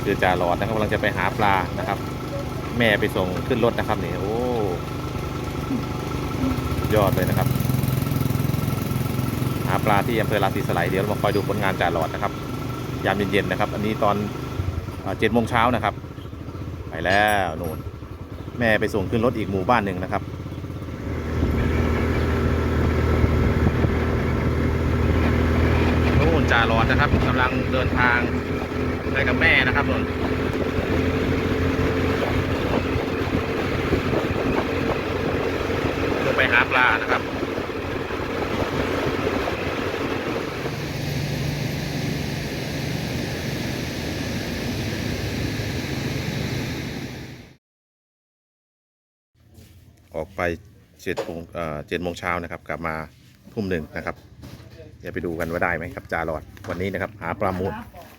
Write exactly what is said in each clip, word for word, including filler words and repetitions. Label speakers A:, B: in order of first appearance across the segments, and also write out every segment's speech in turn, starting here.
A: คือจ่าหลอดนะครับกำลังจะไปหาปลานะครับ แม่ไปส่งขึ้นรถนะครับนี่โอ้ยอดเลยนะครับหาปลาที่อำเภอราศีสไลเดี๋ยวเรามาคอยดูผลงานจ่าหลอดนะครับยามเย็นๆนะครับ อันนี้ตอนเจ็ดโมงเช้านะครับไปแล้วนู่นแม่ไปส่งขึ้นรถอีกหมู่บ้านหนึ่งนะครับนู่นจ่าหลอดนะครับกำลังเดินทางไปกับแม่นะครับนู่นเพื่อไปหาปลานะครับออกไปเจ็ดโมงเจ็ดโมงเช้านะครับกลับมาทุ่มหนึ่งนะครับเดี๋ยวไปดูกันว่าได้ไหมครับจ่าหลอดวันนี้นะครับหาปลาหมู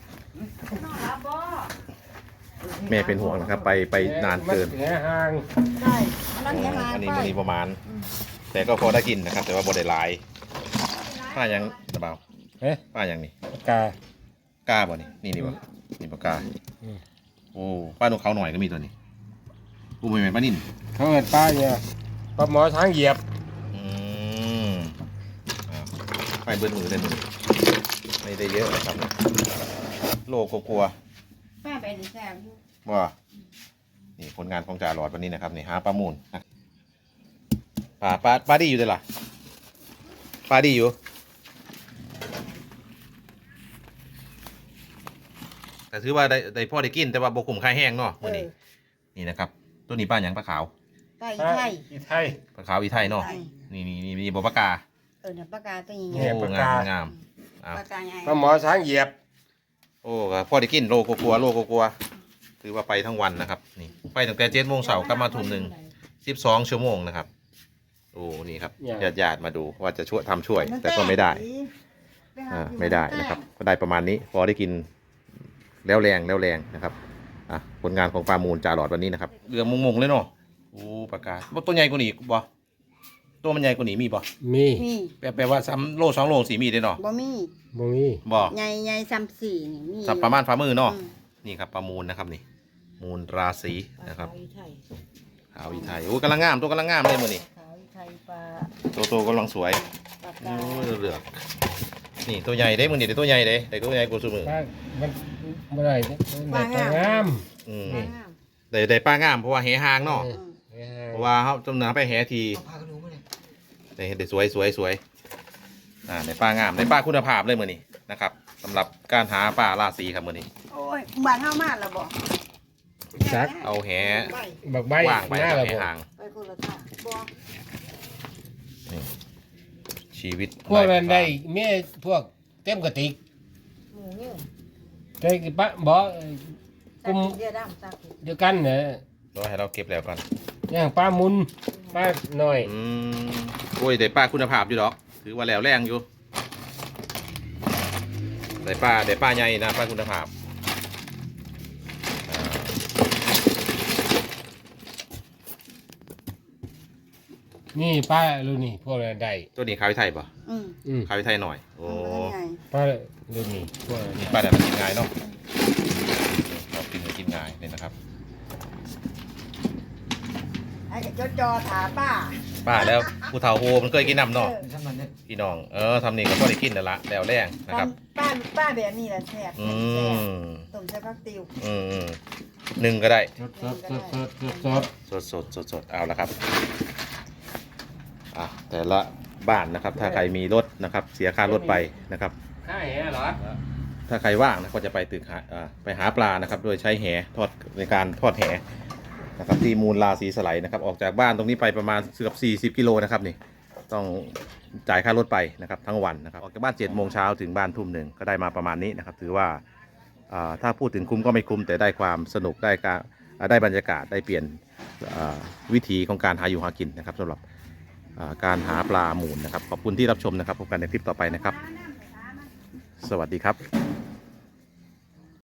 A: แม่เป็นห่วงนะครับไปไปนานเกิน
B: ใช่อันนี้
A: อันนี้มันนี้ประมาณแต่ก็พอได้กินนะครับแต่ว่าบ่ได้หลายป้ายังตะเบา
C: เอ๊ะ
A: ป้ายังนี่
C: กาก
A: าบ่นี่นี่นี่บ่นี่ปลากาโอ้ป้าตรงเขาหน่อยก็มีตัวนี้กูไม่เป็นป้านิ่น
C: เขาเห็นป้าเนี่ยปลาหมอช้างเหยียบ
A: อืมไปเบิ้ลมือเลยมือไม่ได้เยอะนะครับโลกกลัว
B: ป้าไปดีแซ่บ
A: ว่านี่ผลงานของจ่าหลอดวันนี้นะครับนี่หาปลามูลปลาปลาปลาดีอยู่เลยล่ะปลาดีอยู่แต่ถือว่าได้ได้พ่อได้กินแต่ว่าบกุ่มค่าแห้งเนาะวันนี้นี่นะครับตัวนี้ปลาอย่างปลาขาว
B: ปลาอีไทย
C: อีไทย
A: ปลาขาวอีไทยเนาะนี่นี่นี่มีบปลากา
B: เออเนี่ยปลากาตัวให
A: ญ่โอ้งามงาม
B: ปลากาใหญ่
C: ปลาหมอช้างเหยียบ
A: โอ้พ่อได้กินโลกกลัวโลกกลัวถือว่าไปทั้งวันนะครับนี่ไปตั้งแต่เจ็ดโมงเสาร์กลับมาทุ่มหนึ่งสิบสองชั่วโมงนะครับโอ้นี่ครับญาติญาติมาดูว่าจะช่วยทำช่วยแต่ก็ไม่ได้อ่าไม่ได้นะครับก็ได้ประมาณนี้พอได้กินแล้วแรงแล้วแรงนะครับอ่ะผลงานของปลามูลจ่าหลอดวันนี้นะครับเรือมงๆเลยเนาะโอ้ปลากาตัวใหญ่กว่านี้บ่ตัวมันใหญ่กว่านี้มีบ่
C: มี
A: แปลว่าซ้ำโลสองโลสี่มีได้เนาะ
B: บ่มี
C: บ่มี
A: บ่
B: ใหญ่ใหญ่ซ้ำสี่นี่มี
A: สับประมาณฝ่ามือเนาะนี่ครับปลามูลนะครับนี่มูลราศีนะครับขาวอีไทยโอ้กำลังงามตัวกำลังงามเลยมือนี่
B: ขาวอีไทยปลา
A: ตัวโตกำลังสวยโอ้เหลือกนี่ตัวใหญ่เด้มือนี่ตัวใหญ่เด้แต่ตัวใหญ่กว่าสูมือ
C: มันไม่ได้ปลางาม
A: อืมได้ได้ปลางามเพราะว่าแหหางเนาะเพราะว่าเขาจำเนื้อไปแหทีได้ได้สวยสวยสวยอ่าในปลางามในปลาคุณภาพเลยมือนี่นะครับสำหรับการหาปลาราศีครับมือนี่
B: โอ้ยบ้านเฮามากแล้วบ่
C: จัก
A: เอาแห
C: บักใบ
A: ว่างไปกับแหหาง
B: ไปคนละท่าบ่
A: นี่ชีวิต
C: พวกนั้นได้เมียพวกเต็มกระติก
B: หมูเนี่ย
C: ใจปะบ่กลุ่ม
B: เดียวดำซัก
C: เดียวกันเนี่ย
A: รอให้เราเก็บแล้วก่อน
C: อย่างปลามุนปลาหน่อย
A: อืมโอ้ยได้ปลาคุณภาพอยู่ดอกถือว่าแล้วแรงอยู่ได้ปลาได้ปลาใหญ่นะปลาคุณภาพ
C: นี่ป้าลูนี่พวกอะไรได้
A: ตัวนี้ขาวไทยป่ะ
B: อื
A: มขาวไทยหน่อยโอ้
C: ป้าลูนี่พวก
A: นี้ป้าแต่มันกินง่ายเนาะเรากินกินง่ายเลยนะครับ
B: ไอ้จอจอถาป้า
A: ป้าแล้วผู้เฒ่าโฮมันเคยกินน้ำเนาะพี่น้องเออทำนี่ก็พอได้กินแล้วละแล้วแรงนะครับ
B: ป้าป้าแบบนี้แหละแซ่บ
A: อืม
B: ต้มใส่ผักติ๋ว
A: อืมหนึ่งก็ได้
C: สดสดสดสด
A: สดสดสดสดเอาละครับอ่ะแต่ละบ้านนะครับถ้าใครมีรถนะครับเสียค่ารถไปนะครับ
C: ค่าแหเหรอ
A: ถ้าใครว่างนะก็จะไปตึกหาไปหาปลานะครับโดยใช้แหทอดในการทอดแหนะครับที่มูลราศีสไลนะครับออกจากบ้านตรงนี้ไปประมาณเกือบสี่สิบกิโลนะครับนี่ต้องจ่ายค่ารถไปนะครับทั้งวันนะครับออกจากบ้านเจ็ดโมงเช้าถึงบ้านทุ่มหนึ่งก็ได้มาประมาณนี้นะครับถือว่าถ้าพูดถึงคุ้มก็ไม่คุ้มแต่ได้ความสนุกได้การได้บรรยากาศได้เปลี่ยนวิธีของการหาอยู่หากินนะครับสำหรับการหาปลาหมูนะครับขอบคุณที่รับชมนะครับพบกันในคลิปต่อไปนะครับสวัสดีครับ